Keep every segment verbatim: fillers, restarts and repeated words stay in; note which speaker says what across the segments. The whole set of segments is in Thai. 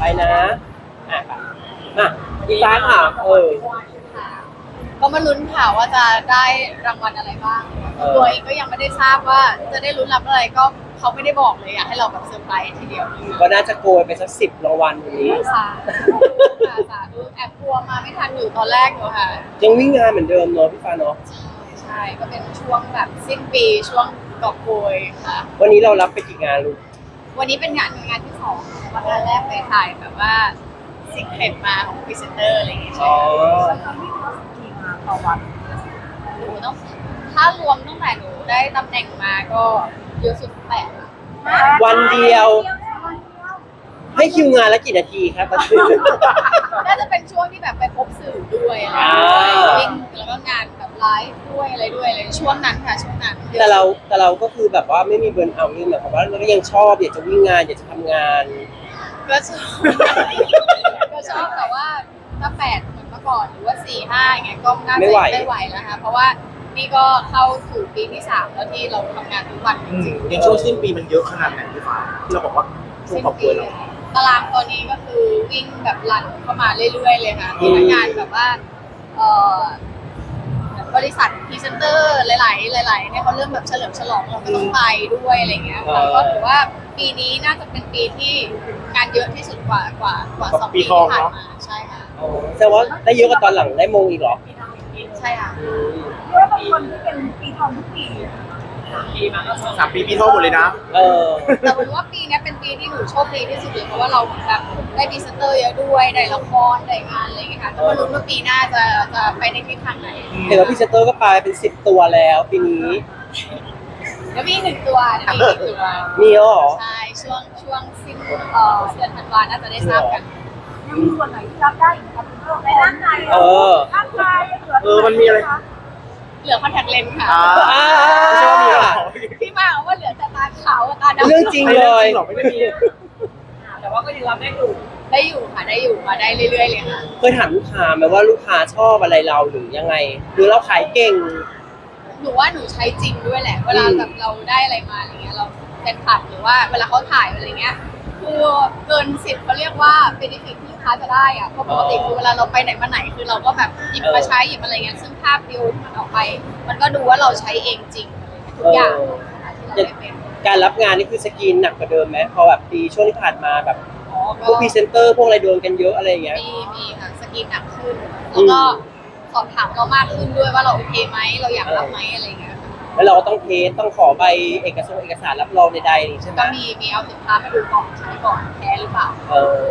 Speaker 1: ไปนะอ่ะไปอ่ะอีฟ้าถามเออ
Speaker 2: ก็มาลุ้นค่ะว่าจะได้รางวัลอะไรบ้าง
Speaker 1: เออ
Speaker 2: ตัวเองก็ยังไม่ได้ทราบว่าจะได้ลุ้นรับอะไรก็เขาไม่ได้บอกเลยอยากให้เราแบบเซอร์ไพรส์ทีเดียว
Speaker 1: ก็น่าจะโกยไปสักสิบรางวัลวันนี้
Speaker 2: สาธุค่ะสาธุแอบกลัวมาไม่ทันอยู่ตอนแรกอยู่ค่ะ
Speaker 1: ยังวิ่งงานเหมือนเดิมเนาะพี่ฟ้าเนาะ
Speaker 2: ใช่ใช่ก็เป็นช่วงแบบสิ้นปีช่วงกอบโกยค่ะ
Speaker 1: วันนี้เรารับไปกี่งานลูก
Speaker 2: วันนี้เป็นงานงานที่สองวันงานแรกไปถ่ายแบบว่าสิ่งเข็ดมาของพรีเซนเตอร์อะไรอย่างเงี้ย
Speaker 1: อ๋อ
Speaker 2: ต่อวันหนูต้องถ้ารวมตั้งแต่หนูได้ตำแหน่งมาก็เยอะสุดแปด
Speaker 1: วันเดียว ให้คิวงานละกี่นาทีครับตอนนี้
Speaker 2: น่าจะเป็นช่วงที่แบบไปพบสื่อด้วยอะไร
Speaker 1: อ่า
Speaker 2: วิ่งแล้วก็งานแบบไลฟ์ด้วยอะไรด้วยเลยช่วงนั้นค่ะช่วงนั้น
Speaker 1: แต่เราแต่เราก็คือแบบว่าไม่มีเบิร์นเอาท์นี่หมายความว่าเราก็ยังชอบอยากจะวิ่งงานอยากจะทำงาน
Speaker 2: ก็ชอบก็ชอบแต่ว่าถ้าแปดเหมือนเมื่อก่อนหรือว่าสี่ห้าอย่างเงี้ยก็น่าจะ
Speaker 1: ไม่ไหว
Speaker 2: ไม่ไหวแล้วค่ะเพราะว่านี่ก็เข้าสู่ปีที่สามแล้วที่เราทำงานทุกวันจริงๆ
Speaker 3: ในช่วงสิ้นปีมันเยอะขนาดไหนพี่ฟ้าที่เราบอกว่าช่วงขอบคุณเรา
Speaker 2: ตารางตอนนี้ก็คือวิ่งแบบรันเข้ามาเรื่อยๆเลยค่ะมีทั้งงานแบบว่าเอ่อบริษัทพรีเซนเตอร์หลายๆหลายๆเนี่ยเขาเริ่มแบบเฉลิมฉลองเราก็ต้องไปด้วยอะไรเงี้ยค่ะก็ถือว่าปีนี้น่าจะเป็นปีที่งานเยอะที่สุดกว่ากว่ากว่าสองปีที่ผ่านมาใช่ค่ะ
Speaker 1: อ๋อแสดงว่าได้เยอะกว่าตอนหลังได้มงอีกเหรอ
Speaker 2: ใช่ค่ะ
Speaker 4: เรียกว่าเป็นคนที่เป็นปีทองทุกปี
Speaker 3: สามปีปีทองหมดเลยนะ
Speaker 1: เออ
Speaker 2: แต่ผมว่าปีนี้เป็นปีที่หนูโชคดีที่สุดเลยเพราะว่าเราแบบได้พรีเซนเตอร์เยอะด้วยได้ละครได้งานอะไรอย่างเงี้ยค่ะก็มาลุ้นว่าปีหน้าจะจะไปในทิศทางไหน
Speaker 1: เห็นว่าพรีเซนเตอร์ก็ไปเป็นสิบตัวแล้วปีนี้
Speaker 2: เดี๋ยวมีหนึ่งตัวเดี๋ยวมีหนึ่งตัว
Speaker 1: มีแล้วเหรอ
Speaker 2: ใช่ช่วงช่วงสิ้นเอ่อเดือนธันวาน่าจะได้ทราบกัน
Speaker 4: ยังมีส่วนไหนที่รับได้อีกครับในร่างกาย
Speaker 1: เออ
Speaker 4: ร่างกาย
Speaker 3: เออมันมีอะไร
Speaker 2: เหลือคอนแทคเลนส์ค่ะ
Speaker 3: อ่า
Speaker 1: อ่า
Speaker 3: ไม่ใช่ว่ามีอะไร
Speaker 2: พี่มาว่าเหลือแต่ตาขาวกับตาดำ
Speaker 1: เรื่องจริงเลย
Speaker 3: หรอกไม่ได้มี
Speaker 2: แต่ว่าก็ยังรับได้อยู่ได้อยู่ค่ะได้อยู่มาได้เรื่อยๆเลยค่ะ
Speaker 1: เคยถามลูกค้าไหมว่าลูกค้าชอบอะไรเราหรือยังไง หรือเราขายเก่ง
Speaker 2: หนูว่าหนูใช้จริงด้วยแหละ เวลา
Speaker 1: อืม
Speaker 2: แบบเราได้อะไรมาอะไรเงี้ยเราเป็นผัดหรือว่าเวลาเขาถ่ายอะไรเงี้ยคือเกินสิบเขาเรียกว่าเป็นดิฟิตที่ลูกค้าจะได้อะเพราะปกติคือเวลาเราไปไหนมาไหนคือเราก็แบบหยิบมาใช้หยิบอะไรเงี้ยซึ่งภาพวิวที่มันออกไป มันก็ดูว่าเราใช้เองจริงทุกอย่างที่เราได้เป็น
Speaker 1: การรับงานนี่คือสกรีนหนักกว่าเดิมไหมพอแบบปีช่วงที่ผ่านมาแบบ
Speaker 2: อ๋อ
Speaker 1: พวกพรีเซนเตอร์พวกอะไรโดนกันเยอะอะไรอย่างเงี้ย
Speaker 2: มีมีค่ะสกรีนหนักขึ้น แล้วก็สอบถามเรามากขึ้นด้วยว่าเราโอเคไหมเราอยากรับไหมอะไรเงี้ยค่ะ
Speaker 1: แล้วเราก็ต้องเทสต้องขอใบเอกสารเอกสารรับรองใดๆใช่ไหม
Speaker 2: ก็มีมีเอาสินค้ามาดูก่อนใช้ก่อนแพ้หรือเปล่า
Speaker 1: เออ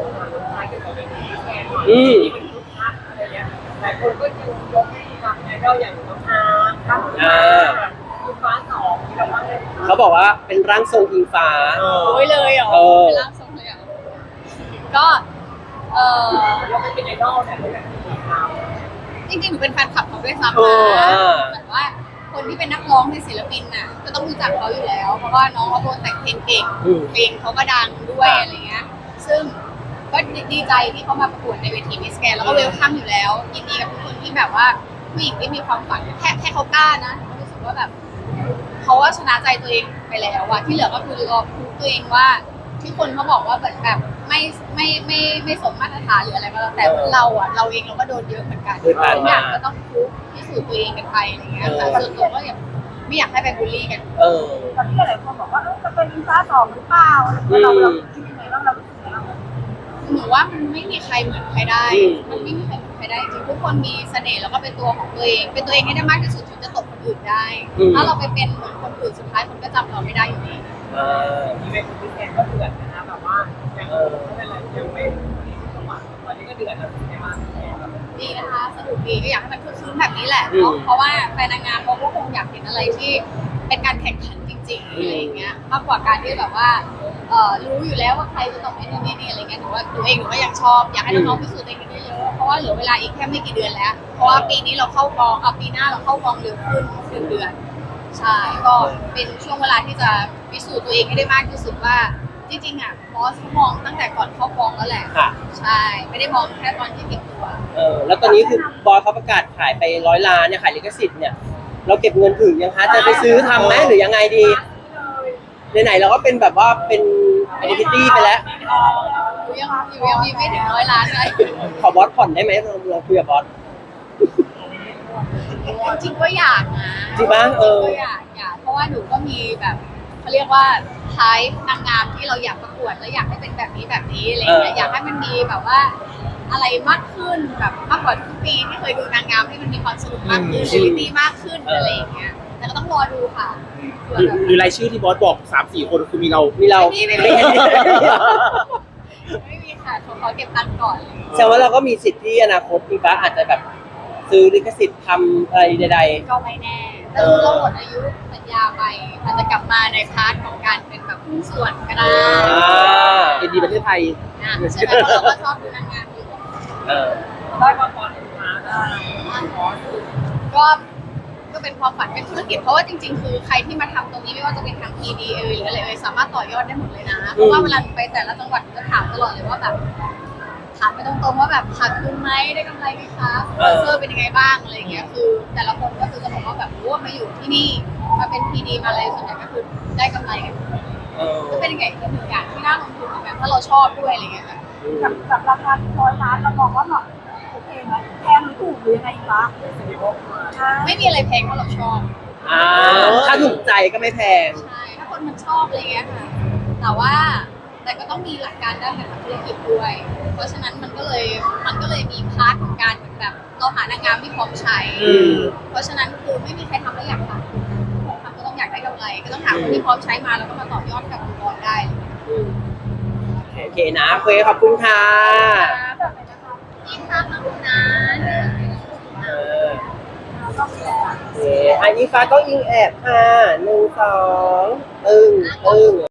Speaker 1: อืม
Speaker 5: หลายคนก็ยังยกให้ทำไอดอลอย่างน้องอาร์ครับ
Speaker 1: อ่า
Speaker 5: คุณฟ้าสองที่เราว่าเลย
Speaker 1: เขาบอกว่าเป็นร่างทรงอิงฟ้า
Speaker 3: เออ
Speaker 2: โอ้ยเลยเหรอ
Speaker 1: เออ
Speaker 2: เป็นร่างทรงเลยเหรอก็เออ
Speaker 5: เราไม่เป็นไอดอลแต่ไม่แบบนี้ครับ
Speaker 2: จริงๆหนูเป็นแฟนคลับเขาด้วยซ้ำ
Speaker 1: เอ
Speaker 2: นะ
Speaker 1: อ
Speaker 2: เหมือนว่าคนที่เป็นนักร้องเป็นศิลปินน่ะก็ต้องรู้จักเขาอยู่แล้ว เพราะว่าน้องเขาเป็นคนแต่งเพลงเก่ง
Speaker 1: อืม
Speaker 2: เพลงเขาก็ดังด้วยอะไรเงี้ย ซึ่งก็ดีใจที่เขามาประกวดในเวทีมิสแกนแล้วก็เวลคัมอยู่แล้ว ยินดีกับทุกคนที่แบบว่าผู้หญิงที่มีความฝันแค่แค่เขากล้านะหนูก็รู้สึกว่าแบบเขาว่าชนะใจตัวเองไปแล้วอะที่เหลือก็คือรอพูตัวเองว่าที่คนเขาบอกว่าแบบแบบไม่ไม่ไม่ไม่สมมาตรฐานหรืออะไรก็แล้วแต่เราอะเราเองเราก็โดนเยอะเหมือนกัน
Speaker 1: เคยผ่าน
Speaker 2: ทุก
Speaker 1: มา
Speaker 2: อย่างก็ต้องพูพิสูจน์ตัวเองกันไปอะไรเงี้ยค่ะส่วนตัวก็อย่างไม่อยากให้ไปบูลลี่กัน
Speaker 1: เออ
Speaker 4: ตอนที่หลายคนบอกว่าเออจะเป็นอินฟ้าสองหรือเปล่าเราเราคิดยังไงบ้างเราคิดยังไงบ้าง
Speaker 2: หนูว่ามันไม่มีใครเหมือนใครได้
Speaker 1: อืม
Speaker 2: มันไม่มีใครเหมือนใครได้จริงทุกคนมีเสน่ห์แล้วก็เป็นตัวของตัวเอง เป็นตัวเองให้ได้มากที่สุดถึงจะตกคนอื่นได้ ถ้าเราไปเป็นเหมือนคนอื่นสุดท้ายคนก็จำเราไม่ได้อยู่ดี
Speaker 1: อ่า
Speaker 5: อีเวนต์ของพี่แกก็เดือดนะแบบว่ายังไม่เป็นไรยังไม่จังหวะตอนนี้ก็เดือดแล้วใช่ไหม
Speaker 2: ดีนะคะสนุกดีก็อยากให้มันคึกคืนแบบนี้แหละเนาะเพราะว่าแฟนนางงามเขาก็คงอยากเห็นอะไรที่เป็นการแข่งขันจริงๆอะไรอย่างเงี้ยมากกว่าการที่แบบว่าเอ่อรู้อยู่แล้วว่าใครจะต้องเป็นนี่นี่อะไรเงี้ยหนูว่าตัวเองหนูก็ยังชอบอยากให้น้องๆพิสูจน์ตัวเองกันเยอะๆเพราะว่าเหลือเวลาอีกแค่ไม่กี่เดือนแล้ว เพราะว่าปีนี้เราเข้ากองเอาปีหน้าเราเข้ากองเร็วขึ้นหนึ่งเดือนใช่ก็เป็นช่วงเวลาที่จะพิสูจน์ตัวเองให้ได้มากที่สุดว่าจริงๆอ่ะบอสเขามองตั้งแต่ก่อนเข้ากองแล้วแหละ
Speaker 1: ค่ะ
Speaker 2: ใช่ไม่ได้มองแค่ตอนที่เก็บตัว
Speaker 1: เออแล้วตอนนี้คือบอยเขาประกาศขายไปร้อยล้านเนี่ยขายลิขสิทธิ์เนี่ยเราเก็บเงินถึงยังคะจะไปซื้อทำไหมหรือยังไงดีไหนๆเราก็เป็นแบบว่าเป็นอันนี้พิตตี้ไปแล้ว
Speaker 2: อยู่ยังอยู่ยังมีไม่ถึงร้อยล้านเลย
Speaker 1: ขอบอสผ่อนได้ไหมเราเราคุยกับบอส
Speaker 2: จริงๆก็อยากนะ
Speaker 1: จริงปะเออ
Speaker 2: ก็อยากอยากเพราะว่าหนูก็มีแบบเขาเรียกว่าไทป์นางงามที่เราอยากประกวดแล้วอยากให้เป็นแบบนี้แบบนี้อะไรอย่างเงี้ย
Speaker 1: เออ
Speaker 2: อ
Speaker 1: อ
Speaker 2: ยากให้มันมีแบบว่า อะไรมากขึ้นแบบมากกว่าทุกปีที่เคยดูนางงามให้มันมีความสนุกมากขึ้น
Speaker 1: อืม
Speaker 2: ชีวิตดีมากขึ้นอะไรอย่างเงี้ยแต่ก็ต้องรอดูค่ะเผื่อ
Speaker 3: หรือ
Speaker 2: แบบ
Speaker 3: หรือรายชื่อที่บอสบอกสามสี่คนคือมีเรา
Speaker 1: มีเรา
Speaker 2: ไม่มีไม่มี ไม่มีค่ะเขาขอเก็บตังค์ก่อนเลย
Speaker 1: แสดงว่าเราก็มีสิทธิ์ที่อนาคตพี่ฟ้าอาจจะแบบซื้อลิขสิทธิ์ทำอะไรใด
Speaker 2: ก็ไม่แน่ถ้าเราหมดอายุสัญญาไปอาจจะกลับมาในพาร์ทของการเป็นแบบหุ้นส่วนก็ได้
Speaker 1: ๆอ่า
Speaker 3: เอ็นดีประเทศไทย
Speaker 2: นะใช่ไหมเพราะเราก็ชอบดูนางงามอยู่
Speaker 1: เออ
Speaker 5: ได้มาก่อนมาได้ขอสื่อ
Speaker 2: ก็ก็เป็นความฝันเป็นธุรกิจเพราะว่าจริงๆ คือใครที่มาทำตรงนี้ไม่ว่าจะเป็นทาง พี ดี เอยหรืออะไรเอยสามารถต่อยอดได้หมดเลยนะเพราะว่าเวลาไปแต่ละจังหวัดจะถามตลอดเลยว่าแบบถามไปตรงๆว่าแบบขาดทุนไหมได้กำไรไหมคะสปอนเซอร์เป็นยังไงบ้างอะไรอย่างเงี้ยคือ แต่ละคนก็คือจะบอกว่าแบบรู้ว่ามาอยู่ที่นี่มาเป็น พี ดี มาอะไรส่วนใหญ่ก็คือได้กำไรกัน
Speaker 1: เออ
Speaker 2: ก็เป็นอย่างอีกหนึ่งอย่างที่น่าลงทุนเหมือนกันถ้าเราชอบด้วยอะไรอย่างเงี้ยค่ะ
Speaker 4: กับกับราคาร้อยล้านเรามองว่าเหมาะโอเคไหมแพงหรือถูกหรือยังไงฟ้า
Speaker 2: ไม่มีอะไรแพงเพราะเราชอบ
Speaker 1: อ่าถ้าถูกใจก็ไม่แพง
Speaker 2: ใช่ ถ้าคนมันชอบอะไรเงี้ยค่ะ แต่ว่าแต่ก็ต้องมีหลักการด้านการทำธุรกิจด้วย เพราะฉะนั้นมันก็เลยมันก็เลยมีพาร์ทของการเหมือนแบบเราหานางงามที่พร้อมใช้
Speaker 1: อืม
Speaker 2: เพราะฉะนั้นคือไม่มีใครทำแล้วอยากทำทำก็ต้องอยากได้กำไร ก็ต้องหาคนที่พร้อมใช้มาแล้วก็มาต่อยอดกับองค์กรได้
Speaker 1: โอเคนะโอเคขอบคุณค่ะ
Speaker 2: ยิ่งทำมากนะ
Speaker 1: เออโอเคอันนี้ฟ้าก็ยิงแอบค่ะหนึ่งสองตึงตึง